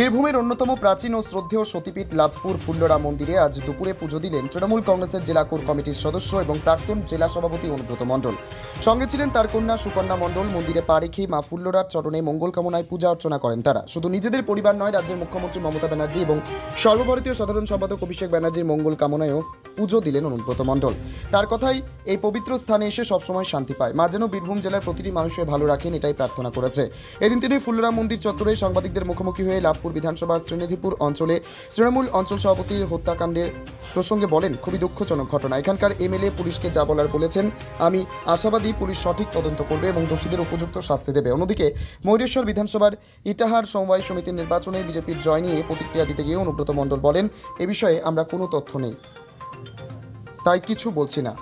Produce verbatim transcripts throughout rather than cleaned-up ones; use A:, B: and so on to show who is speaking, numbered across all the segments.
A: বীরভূমের অন্যতম প্রাচীন ও শ্রদ্ধেয় সতীপীঠ লাভপুর ফুল্লরা মন্দিরে আজ দুপুরে পুজো দিলেন তৃণমূল কংগ্রেসের জেলা কোর কমিটির সদস্য এবং প্রাক্তন জেলা সভাপতি অনুব্রত মণ্ডল। সঙ্গে ছিলেন তার কন্যা সুকন্যা মণ্ডল। মন্দিরে পা রেখে মা ফুল্লরার চরণে মঙ্গল কামনায় পূজা অর্চনা করেন তারা। শুধু নিজেদের পরিবার নয়, রাজ্যের মুখ্যমন্ত্রী মমতা ব্যানার্জি এবং সর্বভারতীয় সাধারণ সম্পাদক অভিষেক ব্যানার্জির মঙ্গল কামনায়ও পুজো দিলেন অনুব্রত মণ্ডল। তার কথাই, এই পবিত্র স্থানে এসে সবসময় শান্তি পায়। মা যেন বীরভূম জেলার প্রতিটি মানুষের ভালো রাখেন, এটাই প্রার্থনা করেছে। এদিন তিনি ফুল্লরা মন্দির চত্বরে সাংবাদিকদের মুখোমুখি হয়ে লাভপুর বিধানসভার শ্রীনিধিপুর অঞ্চলে তৃণমূল অঞ্চল সভাপতির হত্যাকাণ্ডের প্রসঙ্গে বলেন, খুবই দুঃখজনক ঘটনা। এখানকার এমএলএ পুলিশকে যা বলার বলেছেন। আমি আশাবাদী পুলিশ সঠিক তদন্ত করবে এবং দোষীদের উপযুক্ত শাস্তি দেবে। অন্যদিকে ময়ূরেশ্বর বিধানসভার ইটাহার সমবায় সমিতির নির্বাচনে বিজেপির জয় নিয়ে প্রতিক্রিয়া দিতে গিয়ে অনুব্রত মণ্ডল বলেন, এ বিষয়ে আমরা কোনো তথ্য নেই, তাই কিছু বলছি না।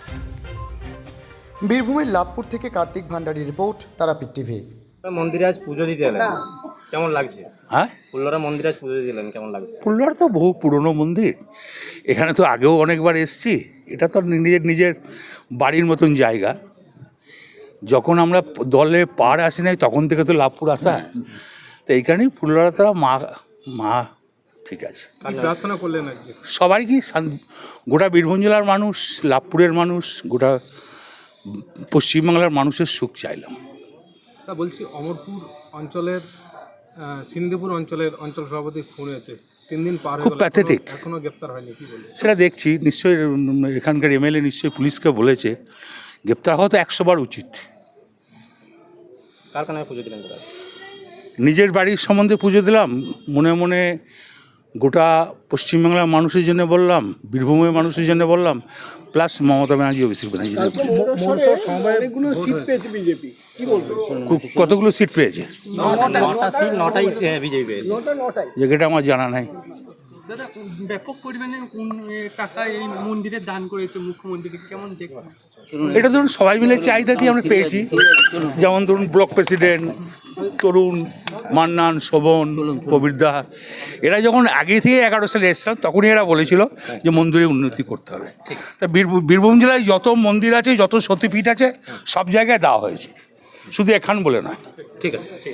A: বীরভূমের লাভপুর থেকে কার্তিক ভান্ডারীর রিপোর্ট, তারাপীঠ টিভি।
B: মন্দিরে আজ পুজো দিতে এলেন, কেমন লাগছে?
C: হ্যাঁ,
B: ফুল্লরা মন্দিরে আজ পুজো দিলেন, কেমন লাগছে?
C: ফুল্লরা তো বহু পুরনো মন্দির, এখানে তো আগেও অনেকবার এসেছি। এটা তো নিজের নিজের বাড়ির মতন জায়গা। যখন আমরা দলে পার আসি নাই তখন থেকে তো লাভপুর আসা, তো এইখানেই ফুল্লরা তারা মা মা ঠিক আছে।
B: প্রার্থনা করলেন আজকে
C: সবাই কি শান- গোটা বীরভূম জেলার মানুষ, লাভপুরের মানুষ, গোটা পশ্চিমবাংলার মানুষের সুখ চাইলাম।
D: তা বলছি, অমরপুর অঞ্চলের আহ, সিন্ধুপুর অঞ্চলের অঞ্চল সভাপতি খুন হয়েছে, তিন দিন পার হয়ে
C: খুব
D: গেল,
C: প্যাথেটিক।
D: এখনো- এখনো গ্রেপ্তার হয়নি, কি বলবো?
C: সেটা দেখছি, নিশ্চয়ই উম, এখানকার এমএলএ নিশ্চয়ই পুলিশকে বলেছে, গ্রেপ্তার হওয়া তো একশো বার উচিত।
B: কার কানে পুজো দিলেন দাদা?
C: নিজের বাড়ির সম্বন্ধে পুজো দিলাম, মনে মনে গোটা পশ্চিমবাংলার মানুষের জন্য বললাম, বীরভূমের মানুষের জন্য বললাম, প্লাস মমতা ব্যানার্জি, অভিষেক ব্যানার্জি কতগুলো সিট পেয়েছে
B: নটা সিট, নটাই বিজেপি পেয়েছে।
C: যেটা আমার জানা নাই।
E: দাদা, ব্যাপক পরিমাণে উন- এ টাকা এই মন্দিরে দান করেছে মুখ্যমন্ত্রী, কেমন দেখবেন?
C: এটা ধরুন সবাই মিলে চাহিদা দিয়ে আমরা পেয়েছি। যেমন ধরুন ব্লক প্রেসিডেন্ট তরুণ, মান্নান, শোভন, প্রবীরদা, এরা যখন আগে থেকে এগারো সালে এসছিলাম তখনই এরা বলেছিল যে মন্দিরে উন্নতি করতে হবে। তা বীরভূম বীরভূম জেলায় যত মন্দির আছে, যত সতীপীঠ আছে, সব জায়গায় দেওয়া হয়েছে, শুধু এখান বলে নয়।
B: ঠিক আছে।